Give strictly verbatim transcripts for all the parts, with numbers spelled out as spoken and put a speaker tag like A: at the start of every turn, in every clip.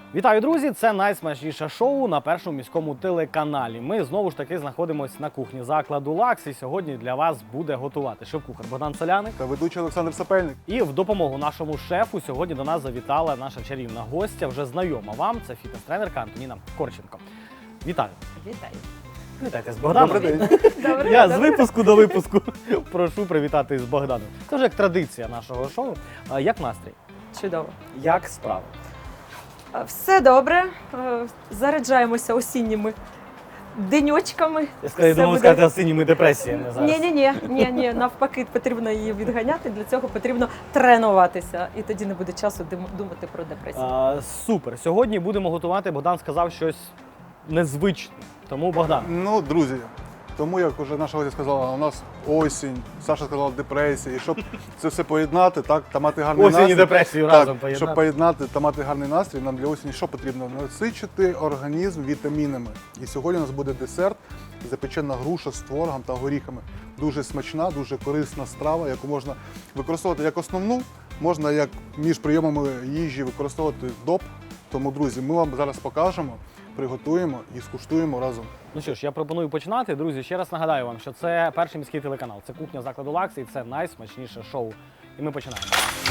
A: Вітаю, друзі! Це найсмачніше шоу на першому міському телеканалі. Ми знову ж таки знаходимося на кухні закладу «Лакс» і сьогодні для вас буде готувати шеф-кухар Богдан Соляник
B: та ведучий Олександр Сапельник.
A: І в допомогу нашому шефу сьогодні до нас завітала наша чарівна гостя, вже знайома вам, це фітнес-тренерка Антоніна Корченко. Вітаю!
C: Вітаю.
A: Вітайте з Богданом.
B: Добрий день.
C: Добре,
A: Я
C: добре.
A: з випуску до випуску прошу привітати з Богданом. Це вже як традиція нашого шоу. А Як настрій?
C: Чудово.
A: Як справи?
C: Все добре. Е, Заряджаємося осінніми деньочками.
A: Я скажу,
C: Все
A: думав
C: буде-
A: сказати осінніми депресіями зараз.
C: Ні, ні, ні, ні, ні, навпаки, потрібно її відганяти. Для цього потрібно тренуватися, і тоді не буде часу дим- думати про депресію.
A: А, супер. Сьогодні будемо готувати. Богдан сказав щось незвичне. Тому Богдан.
B: Ну, друзі, тому як вже наша гостя сказала, у нас осінь, Саша сказала депресія, і щоб це все поєднати, так, та мати гарний
A: Осінь і
B: настрій.
A: депресію
B: так,
A: разом поєднати.
B: Щоб поєднати та мати гарний настрій, нам для осені що потрібно? Насичити організм вітамінами. І сьогодні у нас буде десерт, запечена груша з творогом та горіхами. Дуже смачна, дуже корисна страва, яку можна використовувати як основну, можна як між прийомами їжі використовувати доп. Тому, друзі, ми вам зараз покажемо, приготуємо і скуштуємо разом.
A: Ну що ж, я пропоную починати. Друзі, ще раз нагадаю вам, що це перший міський телеканал. Це кухня закладу «Лакс» і це найсмачніше шоу. І ми починаємо.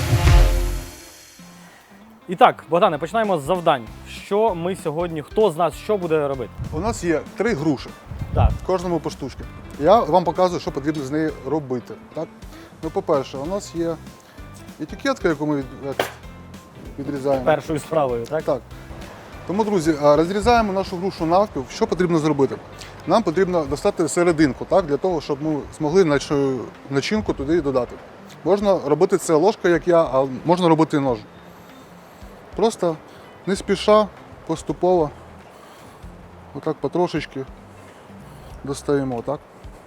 A: І так, Богдане, починаємо з завдань. Що ми сьогодні, хто з нас що буде робити?
B: У нас є три груші.
A: Так.
B: Кожному по штучці. Я вам показую, що потрібно з нею робити. Так? Ну, по-перше, у нас є етикетка, яку ми від- відрізаємо.
A: Першою справою, так?
B: Так. Тому, друзі, а, розрізаємо нашу грушу навпіл. Що потрібно зробити? Нам потрібно достати серединку, так, для того, щоб ми змогли нашу начинку туди додати. Можна робити це ложкою, як я, а можна робити ножем. Просто не спіша, поступово, отак потрошечки достаємо, так?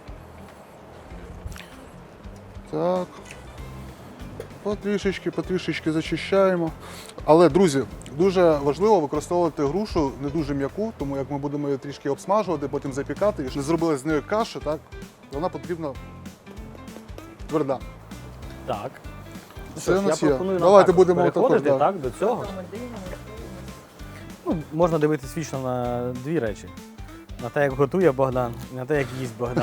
B: Так. Потрішечки, потрішечки зачищаємо. Але, друзі, дуже важливо використовувати грушу не дуже м'яку, тому як ми будемо її трішки обсмажувати, потім запікати. І щоб не зробили з нею каші, так? Вона потрібна тверда.
A: Так. Ну,
B: Це
A: що ж,
B: у нас
A: я
B: є.
A: пропоную нам
B: Давайте
A: також
B: будемо
A: переходити,
B: також, да.
A: так, до цього. Ну, можна дивитись вічно на дві речі. На те, як готує Богдан, і на те, як їсть Богдан.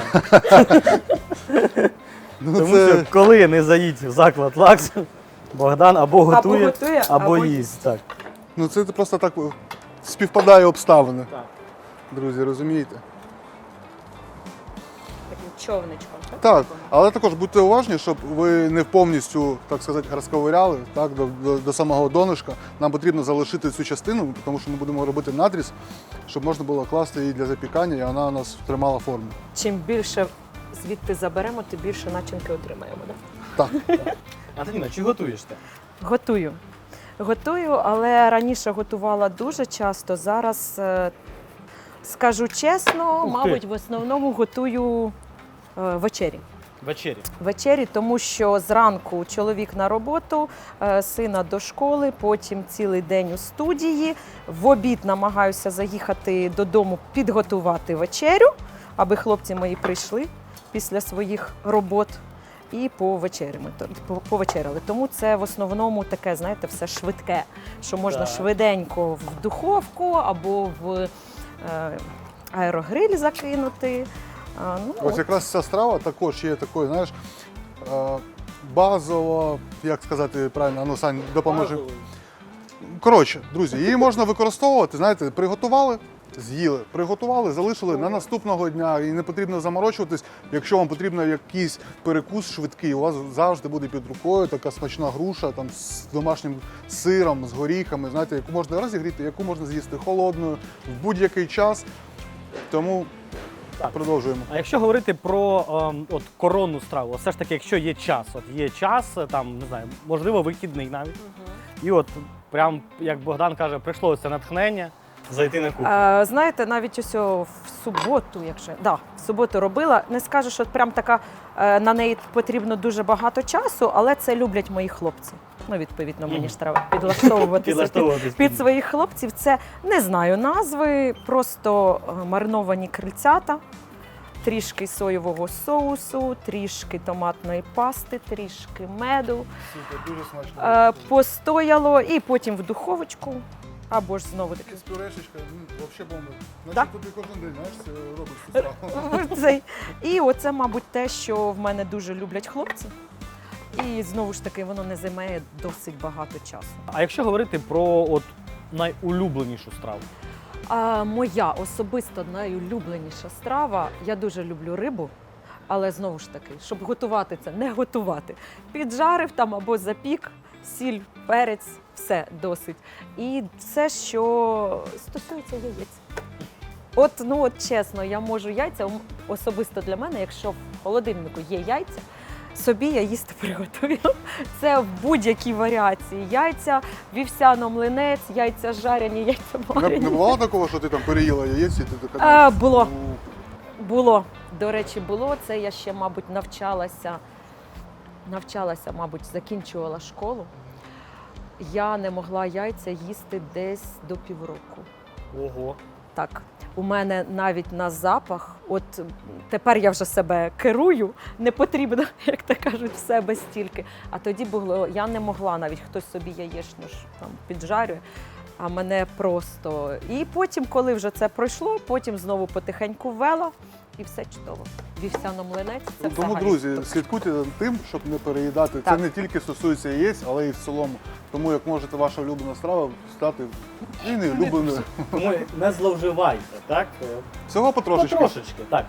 B: Ну,
A: Тому
B: це...
A: що коли не заїдь в заклад «Лакс», Богдан або готує, або,
C: готує, або
A: їсть. Так.
B: ну, це просто так співпадає обставини.
A: Так.
B: Друзі, розумієте?
C: Таким човничком. Так,
B: Так, але також будьте уважні, щоб ви не повністю, так сказати, розковиряли так, до, до, до самого донышка. Нам потрібно залишити цю частину, тому що ми будемо робити надріз, щоб можна було класти її для запікання, і вона у нас тримала форму.
C: Чим більше звідти заберемо, тим більше начинки отримаємо. Да?
B: Так,
A: Антоніна, чи готуєш ти?
C: Готую. Готую, але раніше готувала дуже часто. Зараз, е, скажу чесно,
A: Ух ти.
C: мабуть, в основному готую е, вечері.
A: Вечері.
C: Вечері, тому що зранку чоловік на роботу, е, сина до школи, потім цілий день у студії. В обід намагаюся заїхати додому, підготувати вечерю, аби хлопці мої прийшли після своїх робот і повечеряли. повечеряли. Тому це в основному таке, знаєте, все швидке, що можна
A: Так.
C: швиденько в духовку або в е, аерогриль закинути. А, ну,
B: ось якраз ця страва також є такою, знаєш, е, базово, як сказати правильно, ну, Сань, допоможи. Коротше, друзі, її можна використовувати, знаєте, приготували, з'їли, приготували, залишили на наступного дня і не потрібно заморочуватись. Якщо вам потрібен якийсь перекус швидкий, у вас завжди буде під рукою така смачна груша там, з домашнім сиром, з горіхами, знаєте, яку можна розігріти, яку можна з'їсти холодною в будь-який час. Тому
A: Так.
B: продовжуємо.
A: А якщо говорити про ем, от коронну страву, все ж таки, якщо є час, от є час, там, не знаю, можливо, вихідний навіть, і от прям, як Богдан каже, прийшло це натхнення зайти на кухню.
C: Е, знаєте, навіть ось о в суботу, якщо да, в суботу робила, не скажу, що прям така е, на неї потрібно дуже багато часу, але це люблять мої хлопці. Ну, відповідно, мені ж треба підлаштовуватися під,
A: Підлаштовуватись
C: під своїх хлопців. Це не знаю назви, просто е, мариновані крильцята, трішки соєвого соусу, трішки томатної пасти, трішки меду.
B: Супер, дуже смачно.
C: Е, постояло і потім в духовочку. Або ж знову таки.
B: З пюрешечкою, ну, взагалі бомба.
C: Да?
B: Значить, тобі кожен день, знаєш, це робиш цю страву.
C: Цей. І оце, мабуть, те, що в мене дуже люблять хлопці. І знову ж таки, воно не займає досить багато часу.
A: А якщо говорити про от найулюбленішу страву?
C: А моя особисто найулюбленіша страва, я дуже люблю рибу, але знову ж таки, щоб готувати це, не готувати. Піджарив там або запік, сіль, перець, все досить. І все, що стосується яєць. От, ну от чесно, я можу яйця, м, особисто для мене, якщо в холодильнику є яйця, собі я їсти приготую. Це в будь-якій варіації. Яйця, вівсяно-млинець, яйця жарені, яйця
B: Не, не
C: варені.
B: бувало такого, що ти там переїла яєць і ти така...
C: А, було.
B: «Ну,
C: Було. До речі, було. Це я ще, мабуть, навчалася, навчалася, мабуть, закінчувала школу. Я не могла яйця їсти десь до півроку.
A: Ого.
C: Так, у мене навіть на запах, от тепер я вже себе керую, не потрібно, як то кажуть, в себе стільки. А тоді було, я не могла, навіть хтось собі яєчню ж там піджарює, а мене просто. І потім, коли вже це пройшло, потім знову потихеньку ввела і все чудово. Вівсяно-млинець – це
B: Ну, тому,
C: взагалі
B: друзі,
C: супер.
B: слідкуйте за тим, щоб не переїдати.
C: Так.
B: Це не тільки стосується яєць, але й в цілому. Тому як можете ваша улюблена страва стати і не улюбленою.
A: Тому не зловживайте, так?
B: Всього потрошечки.
A: Потрошечки, так.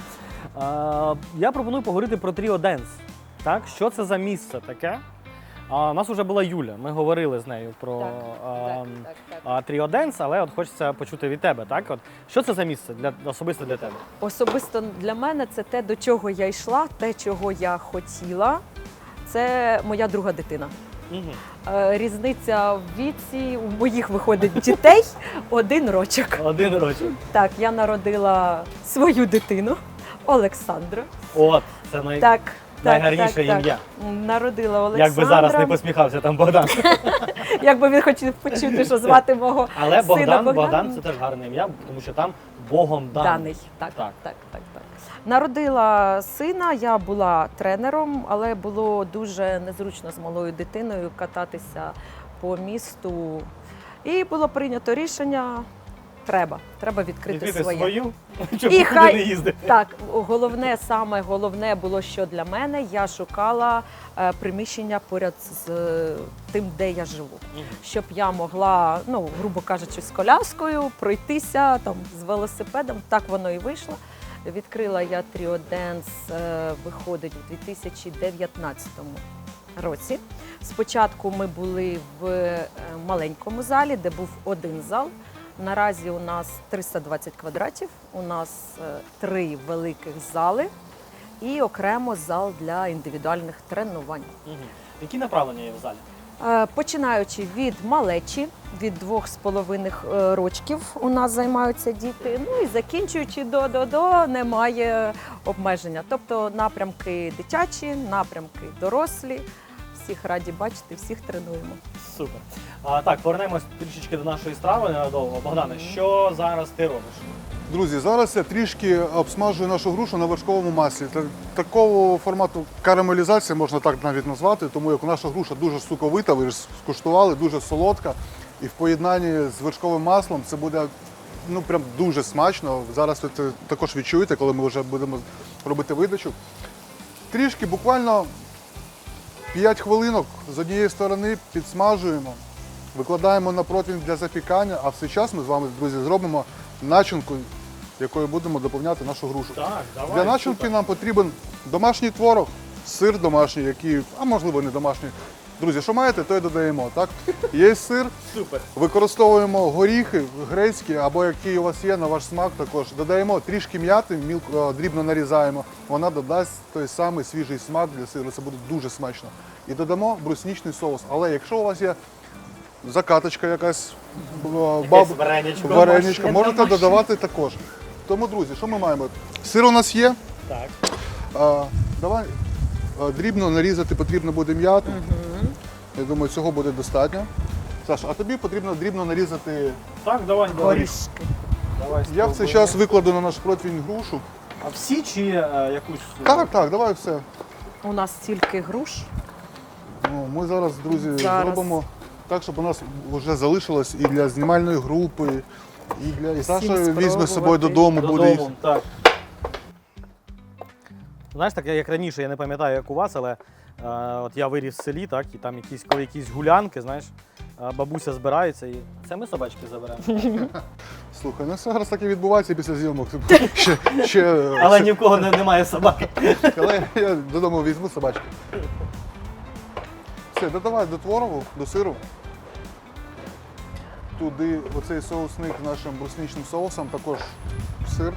A: Е, я пропоную поговорити про Тріо Денс. Так, що це за місце таке? А, у нас вже була Юля, ми говорили з нею про
C: Так,
A: а,
C: так, так, так.
A: а, Тріо Денс, але от хочеться почути від тебе. Так? От, що це за місце для, особисто для тебе?
C: Особисто для мене це те, до чого я йшла, те, чого я хотіла. Це моя друга дитина.
A: Угу.
C: Е, Різниця в віці у моїх виходить дітей один рочок.
A: Один рочок.
C: Так, я народила свою дитину Олександра.
A: От, це най...
C: Так,
A: найгарніше
C: так, так,
A: ім'я.
C: так. Народила Олександра.
A: Як би зараз не посміхався там Богдан.
C: Якби він хотів почути, що звати мого
A: Але
C: сина
A: Богдан,
C: Богдан.
A: Богдан це теж гарне ім'я, тому що там Богом даний.
C: Даний. Так,
A: Так.
C: так, так, так, так. Народила сина, я була тренером, але було дуже незручно з малою дитиною кататися по місту. І було прийнято рішення, треба, треба відкрити,
A: Відкрити
C: своє.
A: свою, щоб
C: І
A: нікуди
C: хай-
A: не їздити.
C: Так, головне, саме головне було, що для мене, я шукала е, приміщення поряд з е, тим, де я живу.
A: Мгм.
C: Щоб я могла, ну, грубо кажучи, з коляскою пройтися там, з велосипедом. Так воно і вийшло. Відкрила я Тріо Денс, е, виходить, у дві тисячі дев'ятнадцятому році. Спочатку ми були в е, маленькому залі, де був один зал. Наразі у нас триста двадцять квадратів, у нас е, три великих зали і окремо зал для індивідуальних тренувань.
A: Мгм. Які направлення є в залі?
C: Е, Починаючи від малечі, від двох з половиних е, рочків у нас займаються діти, ну і закінчуючи до до до немає обмеження. Тобто напрямки дитячі, напрямки дорослі. Всіх раді бачити, всіх тренуємо.
A: Супер. А, так, повернемось трішечки до нашої страви ненадовго. Богдане, що зараз ти робиш?
B: Друзі, зараз я трішки обсмажую нашу грушу на вершковому маслі. Та- Такого формату карамелізації можна так навіть назвати, тому як наша груша дуже соковита, ви ж скуштували, дуже солодка. І в поєднанні з вершковим маслом це буде ну, прям дуже смачно. Зараз ви це також відчуєте, коли ми вже будемо робити видачу. Трішки, буквально п'ять хвилинок з однієї сторони підсмажуємо, викладаємо на противень для запікання, а в цей час ми з вами, друзі, зробимо начинку, якою будемо доповняти нашу грушу.
A: Так, давай.
B: Для начинки нам потрібен домашній творог, сир домашній, який, а можливо не домашній. Друзі, що маєте, то й додаємо. Так? Є сир,
A: Супер.
B: використовуємо горіхи грецькі, або які у вас є на ваш смак також. Додаємо трішки м'яти, мілко, дрібно нарізаємо. Вона додасть той самий свіжий смак для сиру, це буде дуже смачно. І додамо бруснічний соус. Але якщо у вас є закаточка якась, баб...
A: вареничко.
B: вареничко,
C: Домашнє,
B: можете
C: домашнє.
B: додавати також. Тому, друзі, що ми маємо? Сир у нас є.
A: Так.
B: А, давай а, дрібно нарізати потрібно буде м'яту. Я думаю, цього буде достатньо. Саш, а тобі потрібно дрібно нарізати.
A: Так, давай. давай.
C: Горішки.
A: Давай
B: Я в цей
A: спробуємо.
B: час викладу на наш противень грушу.
A: А всі чи е, якусь?
B: Так, так, давай все.
C: У нас тільки груш.
B: Ну, ми зараз, друзі,
C: Зараз.
B: зробимо так, щоб у нас вже залишилось і для знімальної групи, і для і Саша
C: Всім
B: візьме з собою
C: спробувати.
B: додому, буде їсти.
A: так. Знаєш, так як раніше, я не пам'ятаю, як у вас, але е, от я виріс в селі, так, і там якісь, коли якісь гулянки, знаєш, е, бабуся збирається і це ми собачки заберемо.
B: Слухай, ну все зараз так і відбувається після зйомок. ще, ще,
A: Але ні в кого не, немає собаки.
B: Але я додому візьму собачки. Все, додавай до творогу, до сиру. Туди оцей соусник з нашим брусничним соусом, також сир.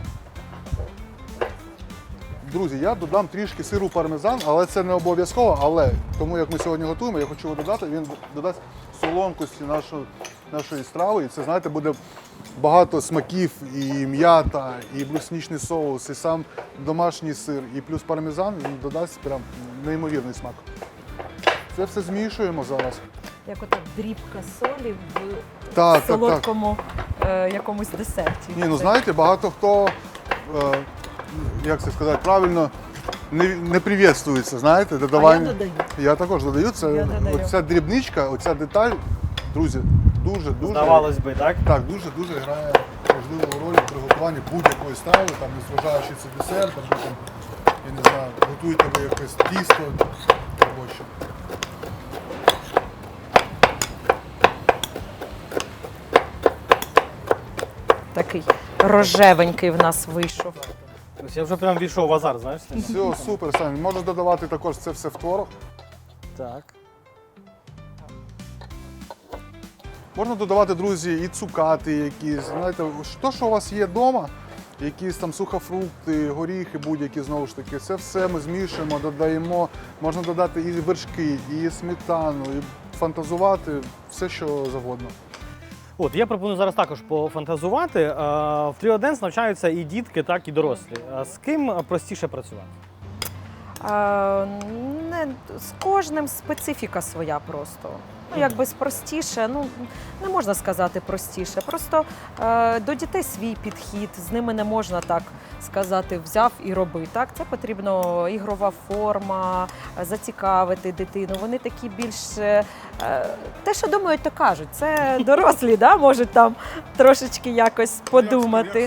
B: Друзі, я додам трішки сиру пармезан, але це не обов'язково. Але тому як ми сьогодні готуємо, я хочу його додати, він додасть солонкості нашої, нашої страви. І це, знаєте, буде багато смаків, і м'ята, і брусничний соус, і сам домашній сир, і плюс пармезан, він додасть прям неймовірний смак. Це все змішуємо зараз.
C: Як ота дрібка солі в
B: Так, так, так.
C: солодкому е, якомусь десерті.
B: Ні, ну знаєте, багато хто, е, як це сказати, правильно, не, не привітствується, знаєте,
C: А я
B: додавання.
C: додаю.
B: Я також додаю. Це
C: Я додаю.
B: оця дрібничка, оця деталь, друзі, дуже, дуже.
A: Здавалось би, так?
B: Так, дуже-дуже грає важливу роль в приготуванні будь-якої страви, там, незважаючи це десерт, або там, я не знаю, готуєте ви якесь тісто або що.
C: Такий рожевенький в нас вийшов.
A: Ось я вже прям війшов в азарт, знаєш?
B: Все, супер, Саня. Можеш додавати також це все в творог.
A: Так.
B: Можна додавати, друзі, і цукати якісь, знаєте, що, що у вас є вдома, якісь там сухофрукти, горіхи будь-які, знову ж таки, це все ми змішуємо, додаємо, можна додати і вершки, і сметану, і фантазувати, все, що завгодно.
A: От, я пропоную зараз також пофантазувати. Е, В Тріоденс навчаються і дітки, так і дорослі. Е, З ким простіше працювати?
C: А, не, з кожним специфіка своя просто. Ну, якби простіше, ну не можна сказати простіше. Просто е, до дітей свій підхід, з ними не можна так сказати, взяв і роби. Так, це потрібно ігрова форма, зацікавити дитину. Вони такі більш е, те, що думають, то кажуть. Це дорослі, да, можуть там трошечки якось подумати.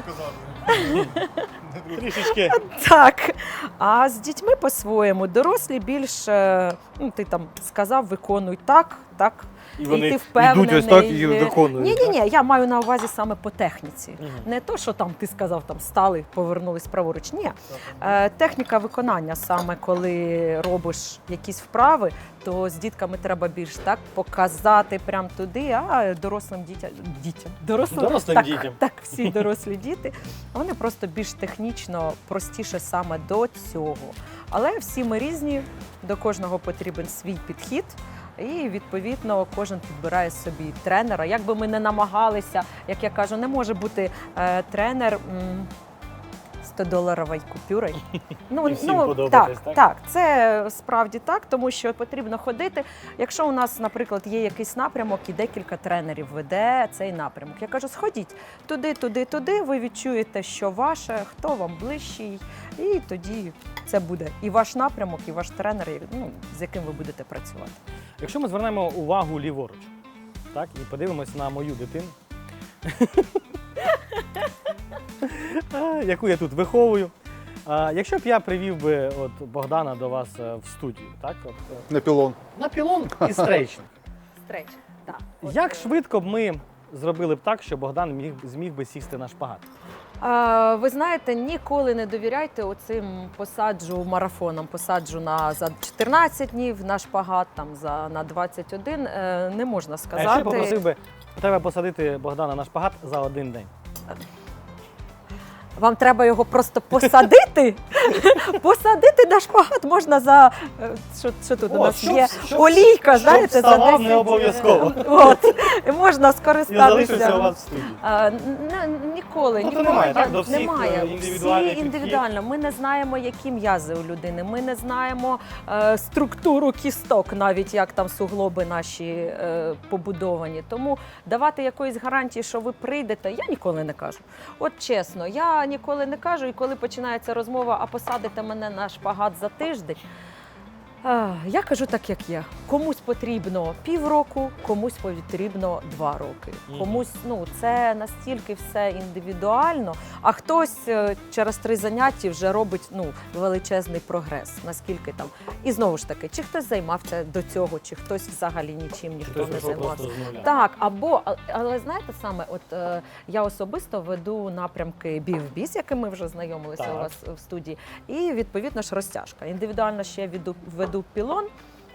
A: Трішечки.
C: Так. А з дітьми по-своєму дорослі більш, е, ну, ти там сказав, виконуй так, так.
A: І вони
C: ти впевнений.
A: йдуть ось так і виконують.
C: Ні, ні, ні, я маю на увазі саме по техніці.
A: Мгм.
C: Не то, що там ти сказав, там стали, повернулись праворуч. Ні. Е, техніка виконання саме, коли робиш якісь вправи, то з дітками треба більш так показати прямо туди, а дорослим дітям, дітям, дорослим,
A: Дорослим
C: так,
A: дітям.
C: так, всі дорослі діти, вони просто більш технічно простіше саме до цього. Але всі ми різні, до кожного потрібен свій підхід. І, відповідно, кожен підбирає собі тренера. Як би ми не намагалися, як я кажу, не може бути е, тренер м, сто-доларовою купюрою. Ну,
A: І всім подобатись,
C: так,
A: так?
C: так, це справді так, тому що потрібно ходити. Якщо у нас, наприклад, є якийсь напрямок і декілька тренерів веде цей напрямок, я кажу, сходіть туди, туди, туди, ви відчуєте, що ваше, хто вам ближчий, і тоді це буде і ваш напрямок, і ваш тренер, ну, з яким ви будете працювати.
A: Якщо ми звернемо увагу ліворуч, так, і подивимось на мою дитину, яку я тут виховую. А, Якщо б я привів би от Богдана до вас е, в студію, так, от, е,
B: На пілон.
A: на пілон і стрейчинг,
C: Стреч, так.
A: як швидко б ми зробили б так, що Богдан міг, зміг би сісти на шпагат?
C: А, ви знаєте, ніколи не довіряйте оцим посаджу марафонам. Посаджу на за чотирнадцять днів, на шпагат там за на двадцять один. Е, не можна
A: А
C: сказати.
A: якщо я попросив би тебе посадити Богдана на шпагат за один день?
C: Вам треба його просто посадити. Посадити на шпагат можна за е, що, що тут у
A: О,
C: нас
A: щоб-
C: є
A: щоб-
C: олійка,
A: щоб
C: знаєте, за
A: вставав
C: десять.
A: не обов'язково.
C: От і можна
A: І
C: скористатися.
A: залишився у вас в студії.
C: А, н- ніколи,
A: Тобто
C: ніколи
A: немає, так,
C: я-
A: до всіх,
C: немає.
A: е, індивідуальний
C: Всі
A: підхід?
C: індивідуально. Ми не знаємо, які м'язи у людини. Ми не знаємо е, структуру кісток, навіть як там суглоби наші е, побудовані. Тому давати якоїсь гарантії, що ви прийдете, я ніколи не кажу. От чесно, я ніколи не кажу. І коли починається розмова, а посадите мене на шпагат за тиждень. А, Я кажу так, як є. Комусь потрібно півроку, комусь потрібно два роки.
A: Мгм.
C: Комусь, ну, це настільки все індивідуально, а хтось е, через три заняття вже робить ну, величезний прогрес, наскільки там. І знову ж таки, чи хтось займався до цього, чи хтось взагалі нічим ніхто
A: Хтось
C: не
A: пішов
C: займався.
A: просто з нуля.
C: Так, або, а- але знаєте саме, от е, я особисто веду напрямки бі-в-бі, з якими ми вже знайомилися
A: Так.
C: у вас в студії, і відповідно ж розтяжка. Індивідуально ще веду, веду пілон.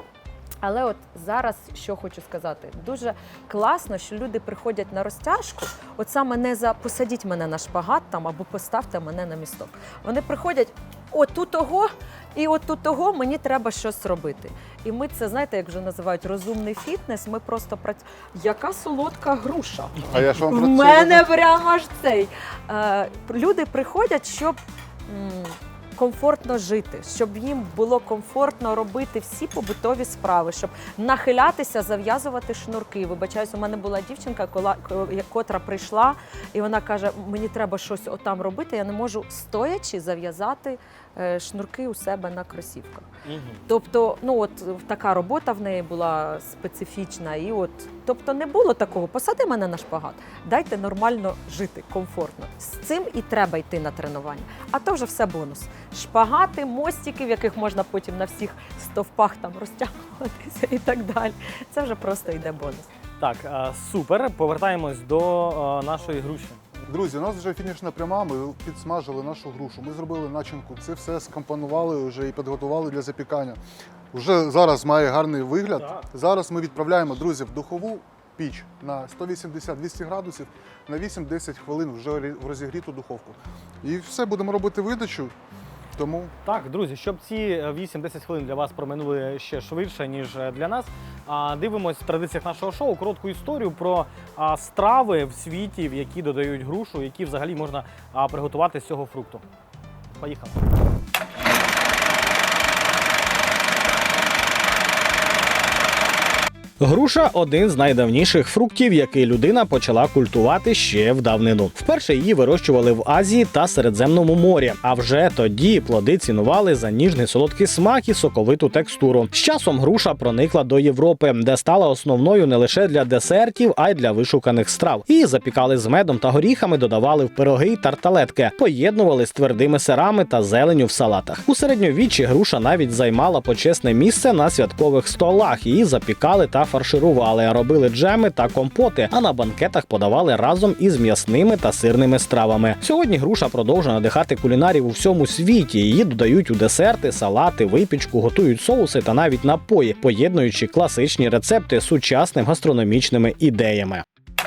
C: Але от зараз що хочу сказати, дуже класно, що люди приходять на розтяжку, от саме не за посадіть мене на шпагат там або поставте мене на місток. Вони приходять, от у того, і от у того мені треба щось робити. І ми це, знаєте, як вже називають розумний фітнес, ми просто працюємо. Яка солодка груша.
B: А я ж вам
C: В
B: про це
C: мене
B: кажу.
C: прямо аж цей. Е, люди приходять, щоб м, комфортно жити, щоб їм було комфортно робити всі побутові справи, щоб нахилятися, зав'язувати шнурки. Вибачаюсь, у мене була дівчинка, кола- ко- котра прийшла, і вона каже: мені треба щось отам робити, я не можу стоячи зав'язати е, шнурки у себе на кросівках.
A: Мгм.
C: Тобто, ну от така робота в неї була специфічна, і от, тобто, не було такого. Посади мене на шпагат, дайте нормально жити, комфортно. З цим і треба йти на тренування. А то вже все бонус. Шпагати, мостики, в яких можна потім на всіх стовпах там розтягуватися і так далі. Це вже просто йде бонус.
A: Так, е, супер. Повертаємось до е, нашої груші.
B: Друзі, у нас вже фінішна пряма, ми підсмажили нашу грушу, ми зробили начинку, це все скомпонували вже і підготували для запікання. Вже зараз має гарний вигляд.
A: Так.
B: Зараз ми відправляємо, друзі, в духову піч на сто вісімдесят - двісті градусів на вісім-десять хвилин вже в розігріту духовку. І все, будемо робити видачу, тому
A: Так, друзі, щоб ці вісім-десять хвилин для вас проминули ще швидше, ніж для нас, а, дивимось в традиціях нашого шоу коротку історію про а, страви в світі, в які додають грушу, які взагалі можна а, приготувати з цього фрукту. Поїхали. Груша один з найдавніших фруктів, який людина почала культувати ще в давнину. Вперше її вирощували в Азії та Середземному морі. А вже тоді плоди цінували за ніжний солодкий смак і соковиту текстуру. З часом груша проникла до Європи, де стала основною не лише для десертів, а й для вишуканих страв. Її запікали з медом та горіхами, додавали в пироги й тарталетки, поєднували з твердими сирами та зеленню в салатах. У середньовіччі груша навіть займала почесне місце на святкових столах. Її запікали та фарширували, робили джеми та компоти, а на банкетах подавали разом із м'ясними та сирними стравами. Сьогодні груша продовжує надихати кулінарів у всьому світі. Її додають у десерти, салати, випічку, готують соуси та навіть напої, поєднуючи класичні рецепти з сучасними гастрономічними ідеями.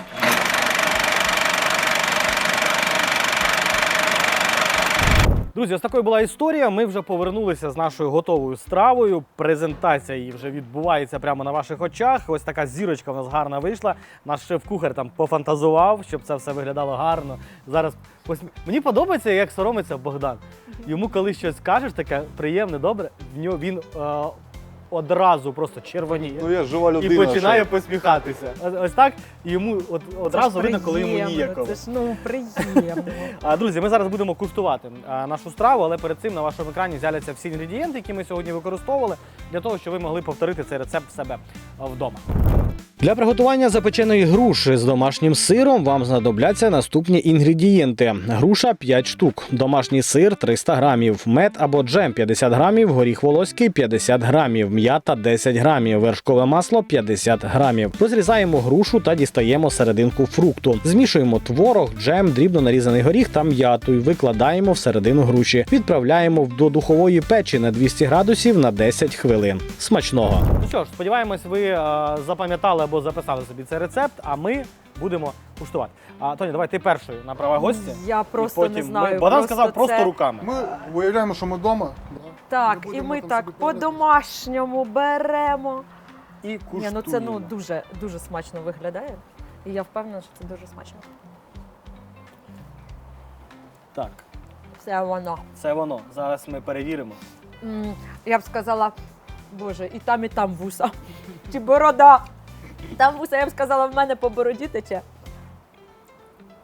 A: Друзі, ось такою була історія. Ми вже повернулися з нашою готовою стравою. Презентація її вже відбувається прямо на ваших очах. Ось така зірочка в нас гарна вийшла. Наш шеф-кухар там пофантазував, щоб це все виглядало гарно. Зараз посмі... Мені подобається, як соромиться Богдан. Йому коли щось кажеш, таке приємне, добре, в нього він е... одразу просто червоніє.
B: ну я жива людина.
A: І починає
B: що-
A: посміхатися. Ось- Ось так. І йому от, одразу видно, коли йому
C: приємно,
A: ніяково.
C: Це ж ну приємно.
A: А, друзі, ми зараз будемо куштувати а, нашу страву, але перед цим на вашому екрані з'являться всі інгредієнти, які ми сьогодні використовували, для того, щоб ви могли повторити цей рецепт в себе а, вдома. Для приготування запеченої груші з домашнім сиром вам знадобляться наступні інгредієнти. Груша п'ять штук, домашній сир триста грамів, мед або джем п'ятдесят грамів, горіх волоський п'ятдесят грамів, м'ята десять грамів, вершкове масло п'ятдесят грамів. Розрізаємо грушу та дістаємо серединку фрукту. Змішуємо творог, джем, дрібно нарізаний горіх та м'яту і викладаємо всередину груші. Відправляємо до духової печі на двісті градусів на десять хвилин. Смачного! Ну що ж, сподіваємось, ви е, запам'ятали або записали собі цей рецепт, а ми будемо куштувати. А, Тоня, давай ти першою на права гостя.
C: Я просто
A: І потім
C: не знаю.
A: Ми... Богдан
C: просто
A: сказав просто
C: це...
A: руками.
B: Ми уявляємо, що ми вдома.
C: Так,
B: Ми
C: і
B: будемо
C: ми
B: там
C: так
B: собі
C: по-домашньому беремо.
A: І
C: Ні,
A: куштуємо.
C: ну це ну дуже дуже смачно виглядає. І я впевнена, що це дуже смачно.
A: Так,
C: Це воно.
A: це воно. Зараз ми перевіримо.
C: М, Я б сказала, боже, і там, і там вуса. Чи борода. Там вуса, я б сказала, в мене по бороді тече.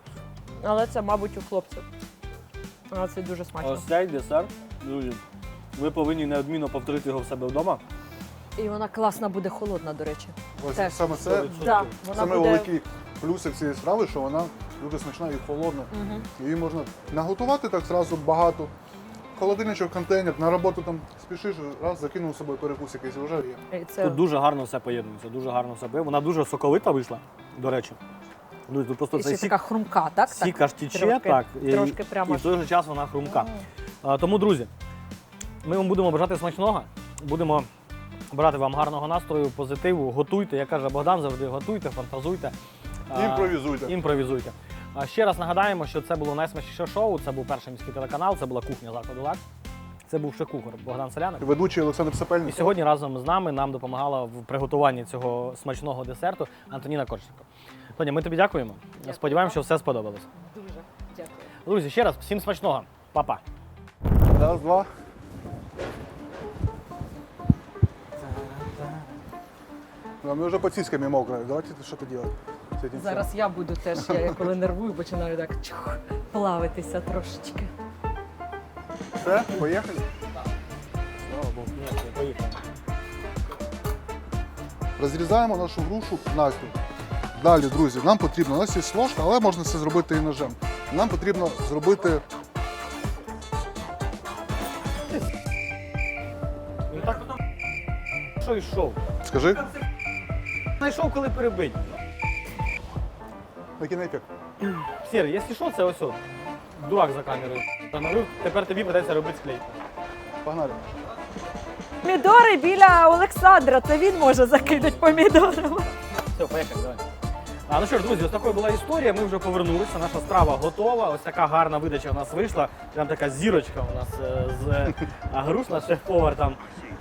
C: Але це, мабуть, у хлопців. Але це дуже смачно.
A: Ось цей десерт, друзі, ви повинні неодмінно повторити його в себе вдома.
C: І вона класна буде холодна, до речі.
B: Ось
C: Теж.
B: саме це
A: Сто відсотків.
C: Да, вона
B: саме
C: буде...
B: великий плюсик цієї страви, що вона дуже смачна і холодна.
C: Мгм.
B: Її можна наготувати так зразу багато. Холодильничок, контейнер, на роботу там спішиш, раз закинув з собою перекус якийсь і вже є.
C: І це...
A: Тут дуже гарно все поєднується, дуже гарно все поєднується. Вона дуже соковита вийшла, до речі. Ну, тут просто
C: І
A: цей
C: ще
A: сік,
C: така хрумка, так?
A: сік
C: так?
A: аж тіче,
C: трошки-
A: так, і,
C: трошки прямо
A: і в
C: аж-
A: той же час вона хрумка. А, тому, друзі, ми вам будемо бажати смачного, будемо брати вам гарного настрою, позитиву, готуйте, як каже Богдан завжди, готуйте, фантазуйте. А,
B: Імпровізуйте.
A: Імпровізуйте. А ще раз нагадаємо, що це було найсмачніше шоу, це був перший міський телеканал, це була кухня закладу «Лакс». Це був шеф-кухар Богдан Соляник.
B: Ведучий Олександр
A: І
B: Сапельник.
A: сьогодні разом з нами нам допомагала в приготуванні цього смачного десерту Антоніна Корченко. Тоня, ми тобі дякуємо.
C: Дякую.
A: Сподіваємося, що все сподобалось.
C: Дуже дякую.
A: Друзі, ще раз всім смачного. Па-па.
B: Раз, два. Да, мы уже под сиськами мокрые. Давайте что-то делать с этим.
C: Зараз я буду теж, я коли нервую, починаю так чух, плавитися трошечки.
B: всем. Все, поехали.
A: Слава Богу. Ні, поїхали.
B: Розрізаємо нашу грушу навпіл. Далі, друзі, нам потрібно, у нас є ложка, але можна це зробити і ножем. Нам потрібно зробити
A: Він так що йшов?
B: скажи,
A: Знайшов, коли перебить.
B: на кінефік.
A: Сірий, якщо що, це ось от. Дурак за камерою. Встановив, тепер тобі придеться робити склейку.
B: Погнали.
C: Помідори біля Олександра, це він може закидати помідорами.
A: Все, поїхали, давай. А, ну що ж, друзі, ось такою була історія. Ми вже повернулися. Наша страва готова. Ось така гарна видача в нас вийшла. Прям така зірочка у нас е, з е, а, груш, наш шеф-повар там.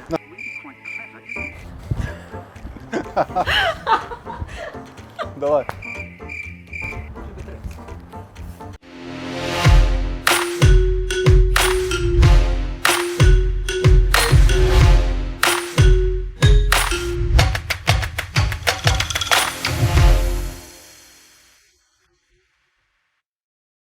B: Давай.